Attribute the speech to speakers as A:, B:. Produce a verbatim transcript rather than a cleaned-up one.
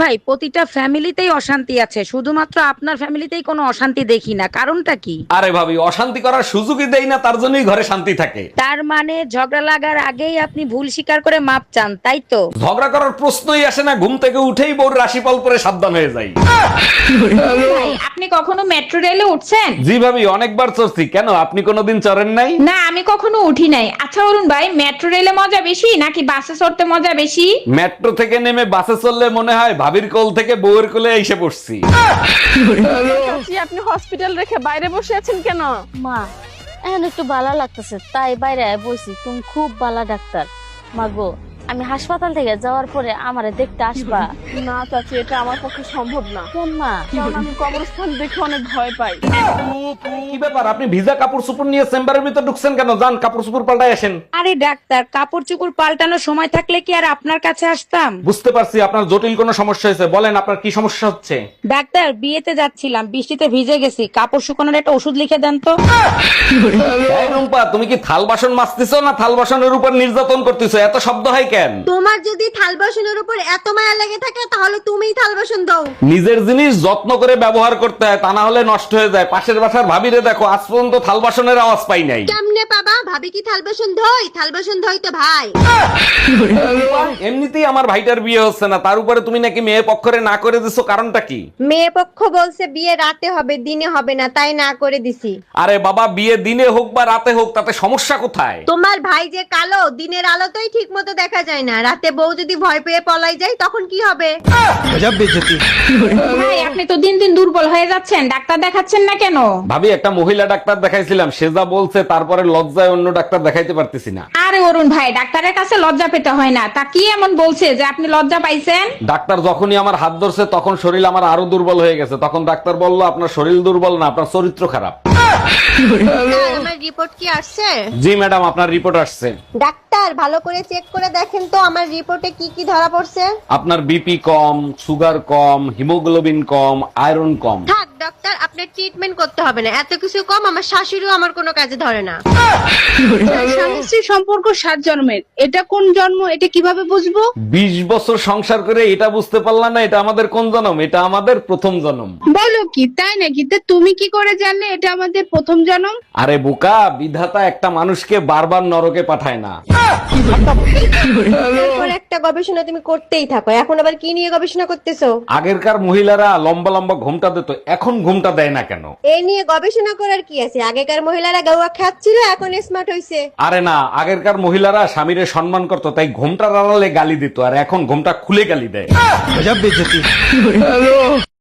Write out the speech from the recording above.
A: ভাই, প্রতিটা ফ্যামিলিতেই অশান্তি আছে, শুধুমাত্র আপনার ফ্যামিলিতেই কোনো অশান্তি দেখি না, কারণটা কি?
B: আরে ভাবি, অশান্তি করার সুযোগই দেই না, তার জন্যই ঘরে শান্তি থাকে।
A: তার মানে ঝগড়া লাগার আগেই আপনি ভুল স্বীকার করে মাপ চান, তাই তো?
B: ঝগড়া করার প্রশ্নই আসে না, ঘুম থেকে উঠেই বউর রাশিফল পরে সাবধান হয়ে যাই।
C: ভাই, আপনি কখনো মেট্রো রেলে উঠছেন?
B: জি ভাবি, অনেকবার চড়ছি। কেন, আপনি কোনোদিন চড়েন নাই?
C: না, আমি কখনো উঠি নাই। আচ্ছা অরুণ ভাই, মেট্রো রেলে মজা বেশি নাকি বাসে চড়তে মজা বেশি?
B: মেট্রো থেকে নেমে বাসে চললে মনে হয় ভাবির কোল থেকে বউয়ের কোলে এসে পড়ছি।
D: চাচি, আপনি হসপিটাল রেখে বাইরে বসে আছেন কেন?
E: মা, এখন একটু ভালো লাগতেছে তাই বাইরে আয় বসি। তুমি খুব ভালো ডাক্তার। মা গো, আমি হাসপাতাল থেকে যাওয়ার পরে আমারে দেখতে আসবা?
D: না চাচি, এটা আমার পক্ষে সম্ভব না,
E: কেন মা?
D: কারণ আমি কবরস্থান দেখে অনেক ভয় পাই।
B: কি ব্যাপার, আপনি ভিজা কাপড় চোপড় নিয়ে চেম্বারের ভিতর ঢুকছেন কেন? যান কাপড় চোপড় পাল্টাই আসেন।
A: আরে ডাক্তার, কাপড় চোপড় পাল্টানোর সময় থাকলে কি আর আপনার কাছে আসতাম?
B: বুঝতে পারছি আপনার জটিল কোনো সমস্যা হয়েছে, বলেন আপনার কি সমস্যা হচ্ছে।
A: ডাক্তার, বিয়েতে যাচ্ছিলাম, বৃষ্টিতে ভিজে গেছি, কাপড় শুকানোর একটা ওষুধ লিখে দেন তো।
B: এই রুম্পা, তুমি কি থাল বাসন মাজতেছো না থাল বাসনের উপর নির্যাতন করতেছো? এত শব্দ হয় কেন?
F: তোমার যদি থাল বাসনের উপর এত মায়া লেগে থাকে তাহলে তুমিই থাল বাসন দাও।
B: নিজের জিনিস যত্ন করে ব্যবহার করতে হয়, তা না হলে নষ্ট হয়ে যায়। পাশের বাসার ভাবিরে দেখো, আজ পর্যন্ত থাল বাসনের আওয়াজ পাই নাই।
F: কেমনে পাবা? ভাবি কি থাল বাসন ধোয়? থাল বাসন ধোয় তো ভাই।
B: এমনিতেই আমার ভাইটার বিয়ে হচ্ছে না, তার উপরে তুমি নাকি মেয়ে পক্ষরে না করে দিছো, কারণটা কি?
F: মেয়ে পক্ষ বলছে বিয়ে রাতে হবে, দিনে হবে না, তাই না করে দিছি।
B: আরে বাবা, বিয়ে দিনে হোক বা রাতে হোক, তাতে সমস্যা কোথায়?
F: তোমার ভাই যে কালো, দিনের আলোতেই ঠিক মতো দেখা যায় না, রাতে বউ যদি ভয় পেয়ে পলাই যায় তখন কি হবে?
C: ভাই, আপনি তো দিন দিন দুর্বল হয়ে যাচ্ছেন, ডাক্তার দেখাচ্ছেন না কেন?
B: ভাবি, একটা মহিলা ডাক্তার দেখাইছিলাম, সে যা বলছে তারপরে লজ্জায় অন্য ডাক্তার দেখাইতে পারতেছি না।
C: আরে অরুণ ভাই, ডাক্তারের কাছে লজ্জা পেতে হয় না। তা কি এমন বলছে যে আপনি লজ্জা পাইছেন?
B: ডাক্তার যখনই আমার হাত ধরছে তখন শরীর আমার আরো দুর্বল হয়ে গেছে। তখন ডাক্তার বলল, আপনার শরীর দুর্বল না, আপনার চরিত্র খারাপ।
F: আমার রিপোর্ট কি আসছে?
B: জি ম্যাডাম, আপনার রিপোর্ট আসছে।
F: ডাক্তার, ভালো করে চেক করে দেখেন তো আমার রিপোর্টে কি কি ধরা পড়ছে।
B: আপনার বিপি কম, সুগার কম, হিমোগ্লোবিন কম, আয়রন কম।
F: থাক ডক্টর, আপনার ট্রিটমেন্ট করতে হবে না, এত কিছু কম আমার শাশুড়িও আমার কোনো কাজে ধরে না।
G: স্বামী স্ত্রীর সম্পর্ক সাত জন্মের, এটা কোন জন্ম এটা কিভাবে বুঝবো?
B: বিশ বছর সংসার করে এটা বুঝতে পারলাম না এটা আমাদের কোন জন্ম? এটা আমাদের প্রথম জন্ম।
G: বলো কি, তাই নাকি? তা তুমি কি করে জানলে এটা আমাদের প্রথম জন্ম?
B: আরে বোকা, বিধাতা একটা মানুষকে বারবার নরকে পাঠায় না।
F: এরপর একটা গবেষণা তুমি করতেই থাকো, এখন আবার কি নিয়ে গবেষণা করতেছো?
B: আগেরকার মহিলারা লম্বা লম্বা ঘুমটা দিত, এখন ঘুমটা দেয় না কেন?
F: এই নিয়ে গবেষণা করার কি আছে? আগেকার মহিলারা গাওয়া খাচ্ছিল, এখন স্মার্ট হইছে।
B: আরে না, আগেরকার মহিলারা স্বামীরে সম্মান করতো, তাই ঘুমটা আড়ালে গালি দিত, আর এখন ঘুমটা খুলে গালি দেয়।